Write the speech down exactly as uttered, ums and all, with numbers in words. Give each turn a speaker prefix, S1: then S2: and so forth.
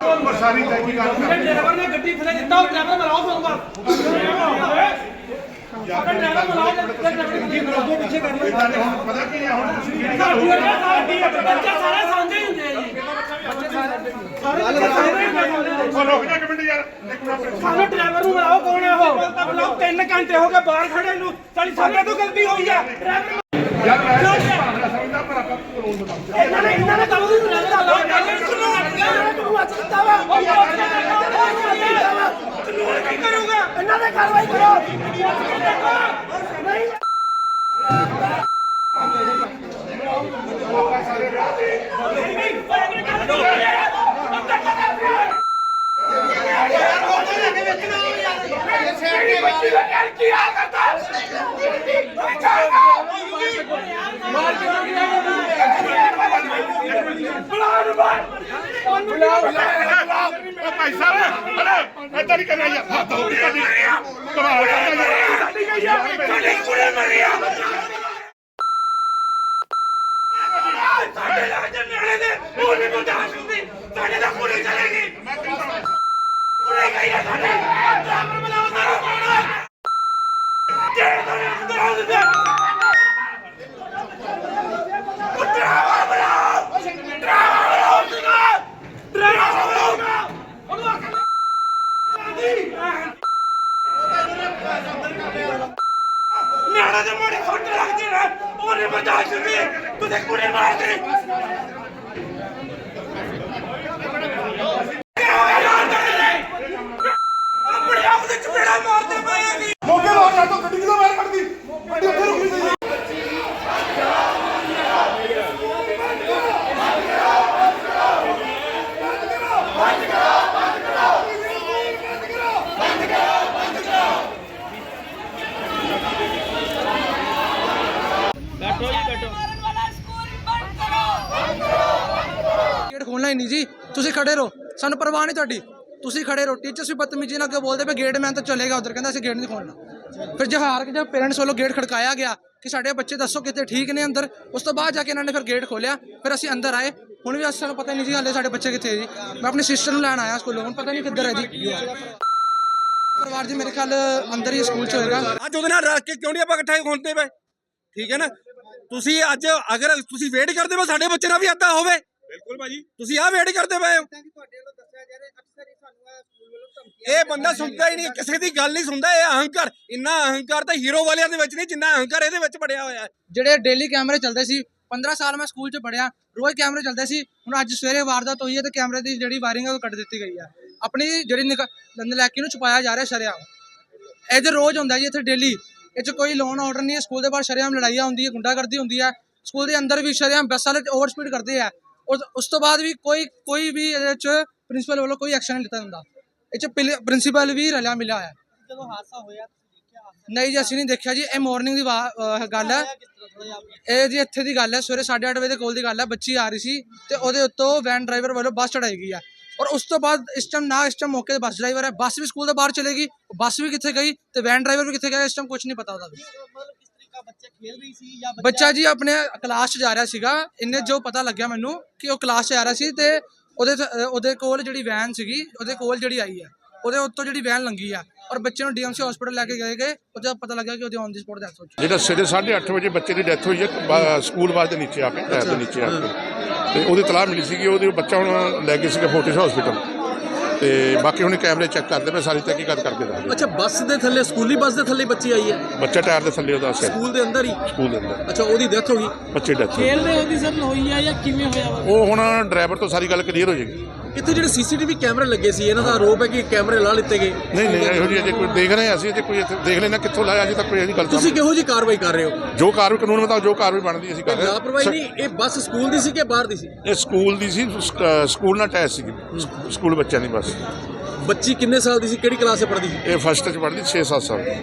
S1: सारी तहकीकात कर
S2: ड्राइवर ने गड्डी थले दिता और ड्राइवर मिलाओ फोन पर ड्राइवर मिलाओ ड्राइवर पीछे कर लो
S1: पता की है हुन तुसी
S2: बच्चे सारे सांझे ही ਹੁੰਦੇ ਆ ਜੀ
S1: और रुक जा एक मिनट यार एक मिनट
S2: ਸਾਨੂੰ ਡਰਾਈਵਰ ਨੂੰ ਮਿਲਾਓ ਕੌਣ ਹੈ ਉਹ ਬੁਲਾਓ ਤਿੰਨ ਘੰਟੇ ਹੋ ਗਏ ਬਾਹਰ ਖੜੇ ਨੂੰ ਸਾਡੀ ਸਾਡੇ ਤੋਂ ਗਲਤੀ ਹੋਈ ਹੈ ਡਰਾਈਵਰ
S1: यार मैं भावना समझदा पर आपका कानून बताओ
S2: ਇਹਨਾਂ ਨੇ ਇਹਨਾਂ ਨੇ ਕੰਮ ਨਹੀਂ ਰਹਿੰਦਾ ਲੋਕ ਕਾਨੂੰਨ ਅੱਜ ਕੀਤਾ ਵਾ ਕਾਨੂੰਨ ਕੀ ਕਰੂਗਾ ਇਹਨਾਂ ਨੇ ਕਾਰਵਾਈ ਕਰੋ ਨਹੀਂ
S1: भाई साहब ऐसा नहीं करना यार हाथ हो गया कमाल करना यार
S2: ਸਾਡੇ ਲੱਗਦੇ ਨਿਆਣੇ ਦੇ ਉਹ ਨਹੀਂ ਬਰਦਾਸ਼ਤ ਹੁੰਦੀ ਸਾਡੇ ਦਾ ਕੁੜੀ ਚਲੇਗੀ ਕੁੜੀ ਗਈ ਹੈ ਸਾਡੇ ਡਰਾਈਵਰ ਬਣਾਓ ਸਾਰਾ ਕੋਣਾ ਜਿਹੜੇ ਤੁਹਾਡੇ ਅੰਦਰ ਆ ਦਿੰਦੇ ਡਰਾਈਵਰ ਬਣਾਓ ਡਰਾਈਵਰ ਬਣਾਓ ਡਰਾਈਵਰ ਬਣਾਓ ਉਹਨੂੰ ਆਖਾਂ ਨਿਆਣੇ ਦੇ ਮੋੜੇ ਖੋਟੇ ਲੱਗਦੇ ਨੇ ਉਹ ਨਹੀਂ ਬਰਦਾਸ਼ਤ ਹੁੰਦੀ ਤੁਸੀਂ ਕੁੜੀ ਮਾਰਦੇ ਆਪਣੇ ਆਪ ਦੇ ਚਪੇੜਾ ਮਾਰਦੇ ਪਏ ਆ ਜੀ
S1: ਮੌਕੇ ਲਾਉਣ ਨਾਲ ਤਾਂ ਗੱਡੀ ਕਿਦੋਂ ਬਾਹਰ ਕੱਢਦੀ ਗੱਡੀ ਉੱਥੇ ਰੁਕੀ ਸੀ
S3: गेट खोलना ही नहीं जी तुसी खड़े रहो सानू परवाह नहीं तुहाडी तुसी खड़े रहो टीचर्स भी बदतमीजी नाल अगे बोलते पे गेट मैन तो चलेगा उधर कहंदा असीं गेट नहीं खोलना फिर जहार के जब पेरेंट्स वालों गेट खड़काया गया कि साडे बच्चे दसो कितने ठीक ने अंदर उस तो बाद जाके इन्होंने फिर गेट खोलिया फिर असीं अंदर आए हुण भी सानू पता नहीं जी हाले साडे बच्चे कित्थे जी मैं अपनी सिस्टर नूं लैण आया स्कूलों हुण पता नहीं किधर है जी परिवार जी मेरे ख्याल अंदर ही स्कूल च होएगा
S4: ਅੱਜ ਉਹਦੇ ਨਾਲ ਰੱਖ ਕੇ ਕਿਉਂ ਨਹੀਂ ਆਪਾਂ ਇਕੱਠੇ ਹੁੰਦੇ ਪਏ ਠੀਕ ਹੈ ਨਾ ਤੁਸੀਂ ਅੱਜ ਅਗਰ ਤੁਸੀਂ ਵੇਟ ਕਰਦੇ ਹੋ ਸਾਡੇ ਬੱਚੇ ਨਾਲ ਵੀ ਏਦਾਂ ਹੋਵੇ ਬਿਲਕੁਲ ਭਾਜੀ ਤੁਸੀਂ ਆਹ ਵੇਟ ਕਰਦੇ ਪਏ ਹੋ ਇਹ ਬੰਦਾ ਸੁਣਦਾ ਹੀ ਨਹੀਂ ਕਿਸੇ ਦੀ ਗੱਲ ਨਹੀਂ ਸੁਣਦਾ ਇਹ ਅਹੰਕਾਰ ਇੰਨਾ ਅਹੰਕਾਰ ਤਾਂ ਹੀਰੋ ਵਾਲਿਆਂ ਦੇ ਵਿੱਚ ਨਹੀਂ ਜਿੰਨਾ ਅਹੰਕਾਰ ਇਹਦੇ ਵਿੱਚ ਬੜਿਆ ਹੋਇਆ ਹੈ
S3: ਜਿਹੜੇ ਡੇਲੀ ਕੈਮਰੇ ਚੱਲਦੇ ਸੀ पंद्रह साल मैं स्कूल च पढ़िया रोज़ कैमरे चलते सी हुण अज सवेरे वारदात हुई है तो कैमरे की जिहड़ी वायरिंग है वो कट दी गई है अपनी जिहड़ी नलैकी नूं छुपाया जा रहा शरेआम इधर रोज़ हुंदा जी इत्थे डेली इह कोई लोन ऑर्डर नहीं है स्कूल के बाहर शरेआम लड़ाइयां हुंदी है गुंडागर्दी हुंदी है स्कूल के अंदर भी शरेआम बस वाले ओवर स्पीड करते हैं और उस तो बाद भी कोई कोई भी इहदे च प्रिंसीपल वालों कोई एक्शन नहीं लिता हुंदा इह च प्रिंसीपल भी रलिया मिलिया है
S2: ਜਦੋਂ ਹਾਦਸਾ ਹੋਇਆ
S3: नहीं जी असीं नहीं देखा जी ये मॉर्निंग की गल है ਇਹ ਜੀ ਇੱਥੇ ਦੀ ਗੱਲ ਹੈ ਸਵੇਰੇ साढ़े आठ ਵਜੇ ਦੇ ਕੋਲ ਦੀ ਗੱਲ ਹੈ ਬੱਚੀ ਆ ਰਹੀ ਸੀ ਤੇ ਉਹਦੇ ਉੱਤੋਂ ਵੈਨ ਡਰਾਈਵਰ ਵੱਲੋਂ ਬੱਸ ਚੜਾਈ ਗਈ ਹੈ ਔਰ ਉਸ ਤੋਂ ਬਾਅਦ ਇਸ ਟਾਈਮ ਨਾ ਇਸ ਟਾਈਮ ਮੌਕੇ ਤੇ ਬੱਸ ਡਰਾਈਵਰ ਹੈ ਬੱਸ ਵੀ ਸਕੂਲ ਦੇ ਬਾਹਰ ਚਲੇਗੀ ਬੱਸ ਵੀ ਕਿੱਥੇ ਗਈ ਤੇ ਵੈਨ ਡਰਾਈਵਰ ਵੀ ਕਿੱਥੇ ਗਿਆ ਇਸ ਟਾਈਮ ਕੁਝ ਨਹੀਂ ਪਤਾ ਉਹਦਾ ਵੀ
S2: ਮਤਲਬ ਕਿਸ ਤਰੀਕਾ ਬੱਚੇ ਖੇਲ ਰਹੀ ਸੀ ਜਾਂ
S3: ਬੱਚਾ ਜੀ ਆਪਣੇ ਕਲਾਸ 'ਚ ਜਾ ਰਿਹਾ ਸੀਗਾ ਇੰਨੇ ਜੋ ਪਤਾ ਲੱਗਿਆ ਮੈਨੂੰ ਕਿ ਉਹ ਕਲਾਸ 'ਚ ਆ ਰਿਹਾ ਸੀ ਤੇ ਉਹਦੇ ਉਹਦੇ ਕੋਲ ਜਿਹੜੀ ਵੈਨ ਸੀਗੀ ਉਹਦੇ ਕੋਲ ਜਿਹੜੀ ਆਈ ਹੈ ਉਹਦੇ ਉੱਤੋਂ ਜਿਹੜੀ ਵੈਨ ਲੰਗੀ ਆ और बच्चे डीएमसी हॉस्पिटल लेके गए गए और पता लगा कि ऑन दी स्पॉट डेथ हो चुकी
S1: ਜਿਹੜਾ ਸਵੇਰੇ ਸਾਢੇ ਅੱਠ ਵਜੇ ਬੱਚੇ ਦੀ ਡੈਥ ਹੋਈ ਹੈ ਸਕੂਲ ਬੱਸ ਦੇ ਨੀਚੇ ਆ ਕੇ ਟਾਇਰ ਦੇ ਨੀਚੇ ਆ ਕੇ ਤੇ ਉਹਦੀ ਤਲਾਹ ਮਿਲੀ ਸੀ ਕਿ ਉਹਦੇ ਬੱਚਾ ਹੁਣ ਲੈ ਗਏ ਸੀਗੇ ਫੋਰਟਿਸ ਹਸਪੀਟਲ ਤੇ ਬਾਕੀ ਹੁਣ ਕੈਮਰੇ ਚੈੱਕ ਕਰਦੇ ਪਏ ਸਾਰੀ ਤਹਿਕੀਕਾਤ ਕਰਕੇ ਦੱਸਦੇ
S4: ਅੱਛਾ ਬੱਸ ਦੇ ਥੱਲੇ ਸਕੂਲੀ ਬੱਸ ਦੇ ਥੱਲੇ ਬੱਚੀ ਆਈ ਹੈ
S1: ਬੱਚਾ ਟਾਇਰ ਦੇ ਥੱਲੇ ਉਹਦਾ ਸਿਰ
S4: ਸਕੂਲ ਦੇ ਅੰਦਰ ਹੀ
S1: ਸਕੂਲ ਦੇ ਅੰਦਰ
S4: ਅੱਛਾ ਉਹਦੀ ਡੈਥ ਹੋ ਗਈ
S1: ਬੱਚੇ ਡੈਥ
S2: ਖੇਲਦੇ ਹੁੰਦੀ ਸਰ ਹੋਈ ਆ ਜਾਂ ਕਿਵੇਂ ਹੋਇਆ
S1: ਉਹ ਹੁਣ ਡਰਾਈਵਰ ਤੋਂ ਸਾਰੀ ਗੱਲ ਕਲੀਅਰ ਹੋ ਜਾਏਗੀ
S4: ਇੱਥੇ ਜਿਹੜੇ ਸੀਸੀਟੀਵੀ ਕੈਮਰੇ ਲੱਗੇ ਸੀ ਇਹਨਾਂ ਦਾ ਆਰੋਪ ਹੈ ਕਿ ਕੈਮਰੇ ਲਾ ਲਿੱਤੇ ਗਏ
S1: ਨਹੀਂ ਨਹੀਂ ਇਹੋ ਜਿਹੀ ਅਜੇ ਕੋਈ ਦੇਖ ਰਹੇ ਅਸੀਂ ਅਜੇ ਕੋਈ ਦੇਖ ਲੈਣਾ ਕਿੱਥੋਂ ਲਾਇਆ ਅਜੇ ਤੱਕ ਕੋਈ ਇਹਦੀ ਗੱਲ
S4: ਤੁਸੀਂ ਕਿਹੋ ਜਿਹੀ ਕਾਰਵਾਈ ਕਰ ਰਹੇ ਹੋ
S1: ਜੋ ਕਾਰਵਾਈ ਕਾਨੂੰਨ ਮੁਤਾਬਕ ਜੋ ਕਾਰਵਾਈ ਬਣਦੀ ਅਸੀਂ ਕਰ ਰਹੇ
S4: ਲਾਪਰਵਾਹੀ ਨਹੀਂ ਇਹ ਬੱਸ ਸਕੂਲ ਦੀ ਸੀ ਕਿ ਬਾਹਰ ਦੀ ਸੀ
S1: ਇਹ ਸਕੂਲ ਦੀ ਸੀ ਸਕੂਲ ਨਾਲ ਅਟੈਚ ਸੀ ਸਕੂਲ ਬੱਚਿਆਂ ਦੀ ਬੱਸ
S4: ਬੱਚੀ ਕਿੰਨੇ ਸਾਲ ਦੀ ਸੀ ਕਿਹੜੀ ਕਲਾਸ 'ਚ ਪੜ੍ਹਦੀ ਸੀ
S1: ਇਹ ਫਸਟ 'ਚ ਪੜ੍ਹਦੀ ਛੇ ਸੱਤ ਸਾਲ